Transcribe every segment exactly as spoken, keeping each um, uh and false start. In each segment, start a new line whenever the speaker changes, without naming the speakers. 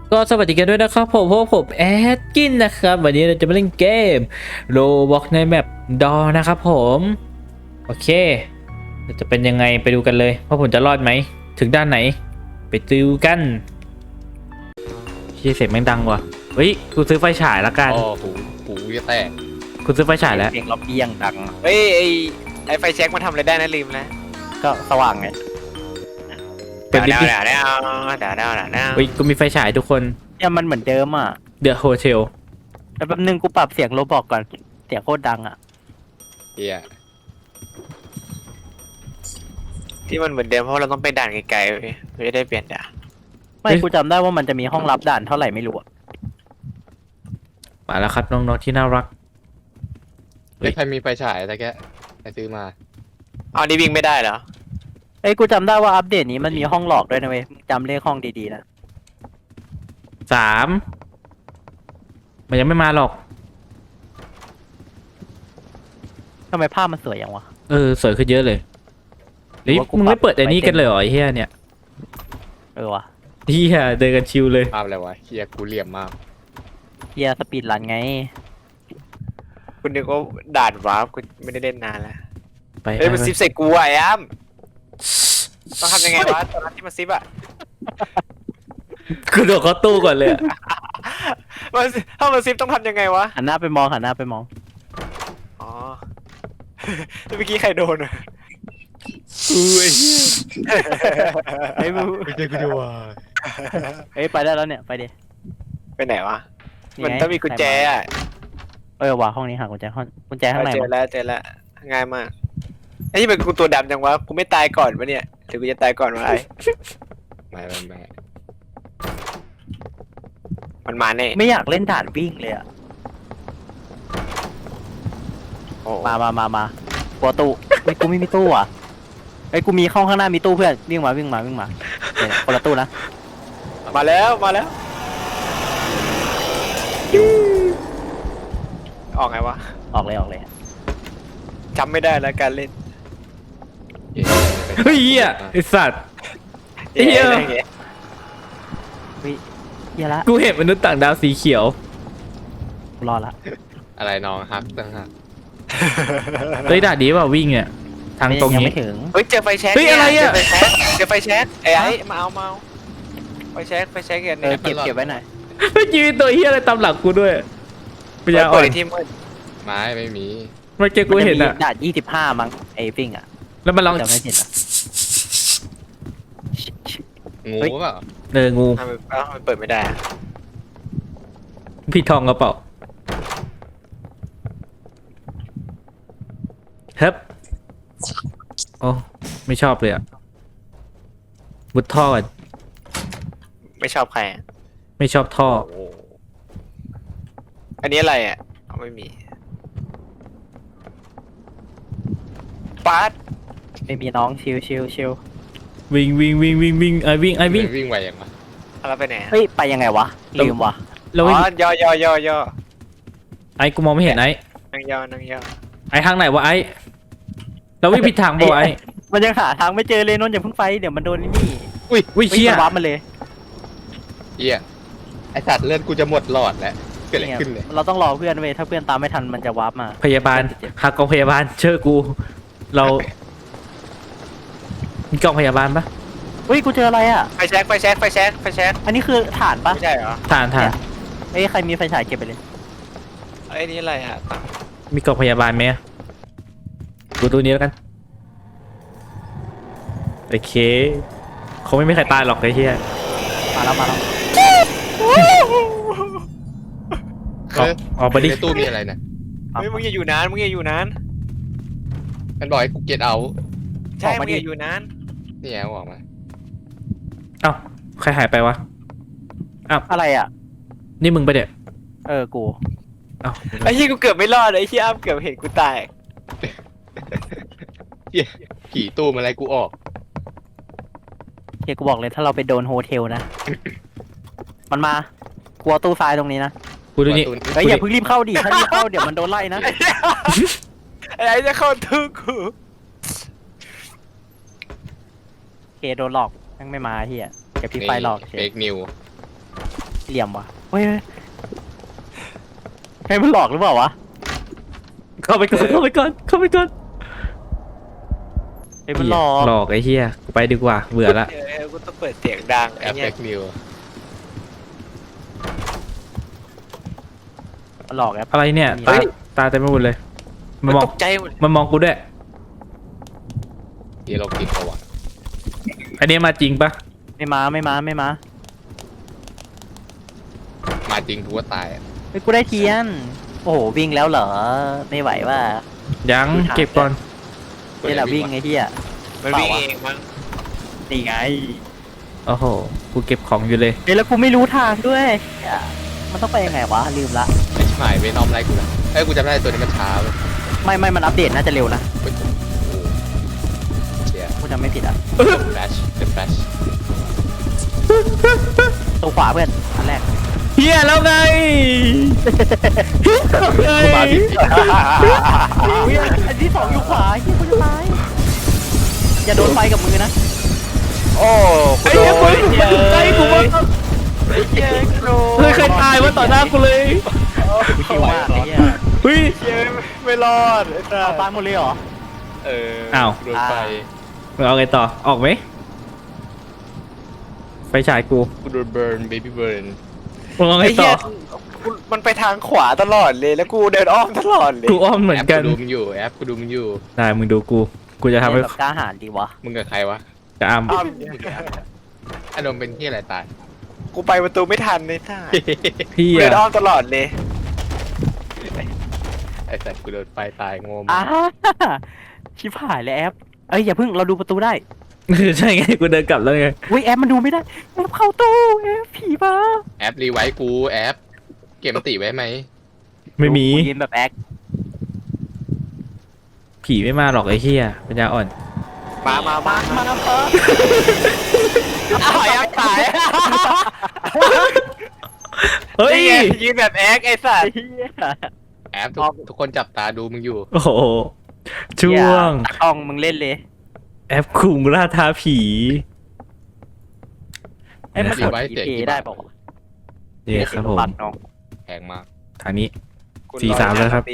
ก็สวัสดีกันด้วยนะครับผมพวกผมแอดกินนะครับวันนี้เราจะมาเล่นเกมโรบอกในแมปดอนะครับผมโอเคจะเป็นยังไงไปดูกันเลยว่าผมจะรอดไหมถึงด้านไหนไปดูกันที่เสียงแม่งดังว่ะเฮ้ยกูซื้อไฟฉายละกัน
อ๋อหูหูจะแตก
กูซื้อไฟฉายแล้ว
เสียงล็อบบี้ยังดัง
เฮ้ยไอไอไฟแช็กมันทำอะไรได้นะลืมแล้ว
ก็สว่างไง
เปิดลิฟ
ดาว
ต์ดิ
ดาวดาวดาวดาวดาวดาว
เฮ้ยกูมีไฟฉายทุกคน
เนี่ยมันเหมือนเดิมอ่ะ
เดอะโฮเทล
แต่แป๊บนึงกูปรับเสียงโรบอกก่อนเสียงโคตรดังอ่ะ
เฮีย
ที่มันเหมือนเดิมเพราะเราต้องไปด่านไกลๆเว้ยเราจะได้เปลี่ยนด่าน
ไม่กูจำได้ว่ามันจะมีห้องรับด่านเท่าไหร่ไม่รู้อะ
มาแล้วครับน้องๆที่น่ารัก เฮ้
เฮ้
ย
ยใครมีไฟฉายตะแกะใครซื้อมา
เอานี่วิ่งไม่ได้เหรอ
เอ้ยกูจำได้ว่าอัปเดตนี้มันมีห้องหลอกด้วยนะเว้ยมึงจำเลขห้องดีๆนะ
สามมันยังไม่มาหรอก
ทำไมภาพมันสวยอย่างวะ
เออสวยขึ้นเยอะเลยเฮ้ย
หรือว่ากู
มึงไม่เปิด
ปรับ
ไอ้นี่กันเลยเหรอไอ้เฮียเนี่ย
เออวะ
เฮียเดินกันชิวเลย
ภาพอะไรวะเฮียกูเหลี่ยมมาก
เฮียสปีดรันไง
คุณนึกว่าด่านวาร์ปกูไม่ได้เล่นนานแล้ว
ไป
เฮ้ยมัน
ไป
ซิปใส่กูอ่ะไอ้อ้ำต้องทำยังไงวะตอนนั้นที่มันซิปอ่ะ
กูโดดเข้าตู้ก่อนเลยอะ
มันถ้ามันซิปต้องทำยังไงวะ
หันหน้าไปมองหันหน้าไปมอง
อ๋อเมื่อกี้ใครโดนอ่ะ
อุ้ยเฮีย
เฮ้ยมึง
ไม่ใช่กูจะว่า
เฮ้ยไปได้แล้วเนี่ยไปดิ
ไปไหนวะ
นี่
มัน
ไง
ต้องมีกุญแจอ่ะ
เออว่ะห้องนี้หากุญแจห้องกุญแจข้างใน
เจอ
มั้ง
แล้วเจอแล้วง่ายมากไอ้ที่เป็นกูตัวดำจังวะกูไม่ตายก่อนวะเนี่ยหรือกูจะตายก่อนวะไอ้
ไม่ไม่ไม่
มันมาแน่
ไม่อยากเล่นด่านวิ่งเลยอะ
โอ้
มามามามาปัวตู้เฮ้ยกูไม่มีตู้อ่ะเฮ้ยกูมีห้องข้างหน้ามีตู้เพื่อนวิ่งมาวิ่งมาวิ่งมาเนี่ยคนละตู้นะ
มาแล้วมาแล้วออกไงวะ
ออกเลยออกเลย
จำไม่ได้แล้วการเล่น
เหี้ย
เฮ้ยเฮียไอสัตว์ เหี้ย
อะไรอย่างเงี้ย
เฮียละ
กูเห็นมนุษย์ต่างดาวสีเขียว
กูรอละ
อะไรน้องฮักตั้งฮัก
เฮ้ยด่าดีเปล่าวิ่งเนี่ยทางตรง
ยัง
นี้
ไม่ถึง
เฮ้ยเจอไฟแช็ก
เฮ้ยอะไรอะ
เจอไฟแช็กเจอไฟแช็กไอ้ไอ้มาเอามาเอาไฟแช็กไฟแช็กกัน
เอ
เนี่
อย เก็บเก็บไว้หน่อย
เฮ้ยยืนตัวเฮียอะไรตามหลังกูด้วยปัญญาอ่
เปิ
อ
ด
น
ในที่มืด
ไม้ไม่มี
เมื่อกี้กูเห็นอะ
มัจมีด่านยี่สิบห้ามั้งไอ้ฟิงอ่ะ
แล้วมันร้อง
จำไม่ผิดอ่ะ
งู
เฮ้ย
เปล่า
เอองู
ทำไมเอ้ามันเปิดไม่ได้อะ
พี่ทองกระเป๋าเฮ้ยโอ้ไม่ชอบเลยอะมุดท่อก่อน
ไม่ชอบใครอะ
ไม่ชอบท่อ
โอ้โห
อันนี้อะไรอ่ะเอาไม่มีปาร์ต
ไม่มีน้องชิวชิวชิว
วิ่งวิ่งวิ่งวิ่งวิ่งไอวิ่งไอวิ่ง
วิ่งไวอย่างวะ
เอาเราไปไหนอะ
เฮ้ยไปยังไงวะลืมวะ
แล้ว
อ๋
วิ่ง
อย่อย่อย่อย่อ
ไอกูมองไม่เห็นไอ
นั่งย่อนั่งย่อ
ไอทางไหนวะไอเราวิ่งผิดทางบ่ไอ
มันยังหาทางไม่เจอเลยนนท์อย่าเพิ่งไปเดี๋ยวมันโดนนี่
อุ้ยอุ้ย
เฮ้ย
เชี่ย
มันวับมาเลย
เฮียไอสัตว์เลือดกูจะหมดหลอดแล้วเกิดอะไรขึ้นเนี่ย
เราต้องรอเพื่อนเว้ยถ้าเพื่อนตามไม่ทันมันจะวับมา
พยาบาลหากองพยาบาลเชื่อกู เรามีกล่องพยาบาลปะ
เฮ้ยกูเจออะไรอ่ะ
ไฟแช็กไฟแช็กไฟแช็กไฟแช็ก
อันนี้คือฐานปะ
ไม่ใช่เหรอ
ฐานฐาน
เอ้ยใครมีไฟฉายเก็บไปเลย
ไอ้นี่อะไรอ่ะ
มีกล่องพยาบาลไหมดูตัวนี้แล้วกันโอเคคงไม่มีใครตายหรอกไอ้เหี้ย
มาแล้วมาแล้ว
ออกออกไปดิ
ในตู้มีอะไรนะ
เฮ้ยมึงอย่าอยู่นานมึงอย่าอยู่นาน
มันบอกให้กูเก็ตเอา
ใช่มึงอย่าอยู่นาน
นี่ไงบอกมา
เอ้าใครหายไปวะ
อะไรอ่ะ
นี่มึงไปะเดี๋ย
เออกู
เอ้า
ไอ้ที่กูเกือบไม่รอดไอ้ที่อ้ำเกือบเห็นกูตาย
เฮียผีตู้มาอะไรกูออก
เฮียกูบอกเลยถ้าเราไปโดนโฮเทลนะ มันมากลัวตู้ทรายตรงนี้นะ
กูดูนี่
ประตู
เฮ้ยอย่าเพิ่งรีบเข้าดิถ้ารีบเข้าเดี๋ยวมันโดนไล่นะ
ไอ้ไอ้จะเข้าทึกกู
เคโดนหลอกแม่งไม่มาเฮียเก็บพี่ไฟหลอกเฉ
เฟ
ย
กนิว
เหลี่ยมวะเฮ้ยใครมันหลอกหรือเปล่าวะ
เข้าไปก่อนเข้าไปก่อนเข้าไปก่อน
ใครมันหลอก
หลอกไอ้เหี้ยกูไปดีกว่าเบื่อละ
เออกูต้องเปิดเสียงดัง
แอ
ไอ้
ป
เนี่
แบ็
ย
กนิว
มันหลอกแอป
อะไรเนี่ยตาตาเต็มไปหมดเลยมันมอง
ตกใจหมด
มันมองกูด้วย
ที่เรากินประวัติ
อันนี้มาจริงปะ
ไม่มาไม่มาไม่มา
มาจริงกูว่าตายอะ
เฮ้ยกูได้เทียนโอ้โหวิ่งแล้วเหรอไม่ไหวว่า
ยัง
กูถาม
เก็บก่อน
นี่แหละวิ่งไอ้เหี้ย
มันวิ่งเองมั้ง
นี่ไง
โอ้โหกูเก็บของอยู่เลย
เฮ้ยแล้วกูไม่รู้ทางด้วยเหี้ยมันต้องไปยังไงวะลืมละ
ไอ้ชิบหายเวนอมไล่กูละเอ้ยกูจำได้ตัวนี้มันช้าเว้ย
ไม่ไม่มันอัปเดตน่าจะเร็วนะ
โอ้โหเชีย
กูจำไม่ผิดอ่ะ
แฟลชเดอะแฟลช
ตัวขวาเพื่อนอันแรก
เฮียแล้วไง
กูมาผิดผิด
เฮ้ยอันที่สองอยู่ขวาเฮียกูจะตายอย่าโดนไฟกับมือนะ
โอ้
ไอ้เหี้ยมึงมันอยู่ใกล้กูมาก
ไอ้เหี้ยโด
เฮ้ยใครตายวะต่อหน้ากูเลย
กูคิวมากไอ้เหี้ย
เฮ้ย
เหี้ยไม่รอดไอ้สั
เอา
ส
ตายหมดเลยเหรอ
เออ
อ้าว
โดนไฟ
มึงเอาไงต่อออกไหมไฟฉายกู
กูโดนเบิร์นเบบี้เบิร์น
มึงเอาไง
ไอ้
ต่
เหี้
อย
กูมันไปทางขวาตลอดเลยแล้วกูเดินอ้อมตลอดเลย
กูอ้อมเหมือน
แอป
กัน
กูดูมึงอยู่แอปกูดูมึงอยู่
ได้มึงดูกูกูจะทำให้
เล่นแบบกล้าหาญดีวะ
มึงกับใครวะ
จะอ้ำ
อ้อม
อารมณ์เป็นที่อะไรตาย
กูไปประตูไม่ทันเลยท่า
พี่
กูเดินอ้อ
อะ
มตลอดเลย
ไอ้สัตว์กูโดนไฟตายงง
อ่าชิบหายเลยแอปเอ้ยอย่าเพิ่งเราดูประตูได้
ใช่ไงกูเดินกลับแล้วไง
อุ้ยแอปมันดูไม่ได้แอปเข้าตู้แอปผีมา
แอปรีไวท์กูแอป เก็บมติไว้ไหม
ไม่มี
กูยืนแบบแอค
ผีไม่มาหรอกไอ้เหี้ยปัญญาอ่อน
มามามา
มามามา
อ้าวยังตาย
เฮ้ย
นี่ไงยืนแบบแอคไอ้สัส
เหี้ย
แอปทุกทุกคนจับตาดูมึงอยู่
โอ้โหช่วง
ตากล้องมึงเล่นเลย
แอปคุงล่าท้าผี
ไอ้ยมัน
รี
กด
ไวท์
ผี
เสีย
เพ
กี่
ได้
บาท
เปล่าวะ
เนี่ยครับผม
บัตรน้อง
แพงมาก
ทางนี้ สี่สามแล้วครับ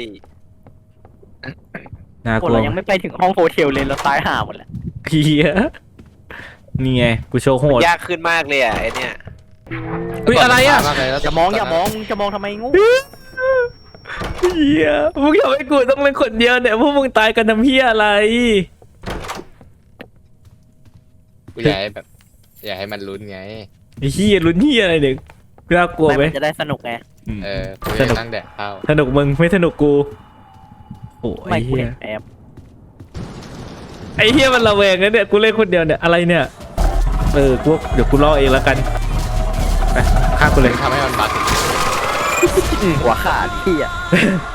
น่าก
คน
ลัว
เรายังไม่ไปถึงห้องโฮเทลเลยเราตายห่าหมดแล้ว
เฮียนี่ไงกูโชว์โหด
ยากขึ้นมากเลยอ่ะไอเนี่ย
เฮ้ยอะไรอ่ะ
มากเลยแล้ว
อย่ามองอย่ามองมึงจะมองทำไมงู
เฮียมึงทำให้กูต้องเป็นคนเดียวเนี่ยพวกมึงตายกันทำเฮียอะไร
กูอยากให้แบบ อยากให้มันลุ้นไง
ไอ้เฮียลุ้นเฮียอะไรเนี่ยน่ากลัวไหม
ไม่มันจะได้สนุกไง
อืม
เออกู
ส
จะ
นุก
นั่งแดกข้าว
สนุกมึงไม่สนุกกูโอ้
ไม่
ไอ้
กู
เฮีย
เห็นแอป
ไอ้เฮียมันระแวงนะเนี่ยกูเล่นคนเดียวเนี่ยอะไรเนี่ยเออกูเดี๋ยวกูล่อเองแล้วกันไปฆ่ากูเลย
ทำให้มันบัก
หัวขาดที่อ่ะ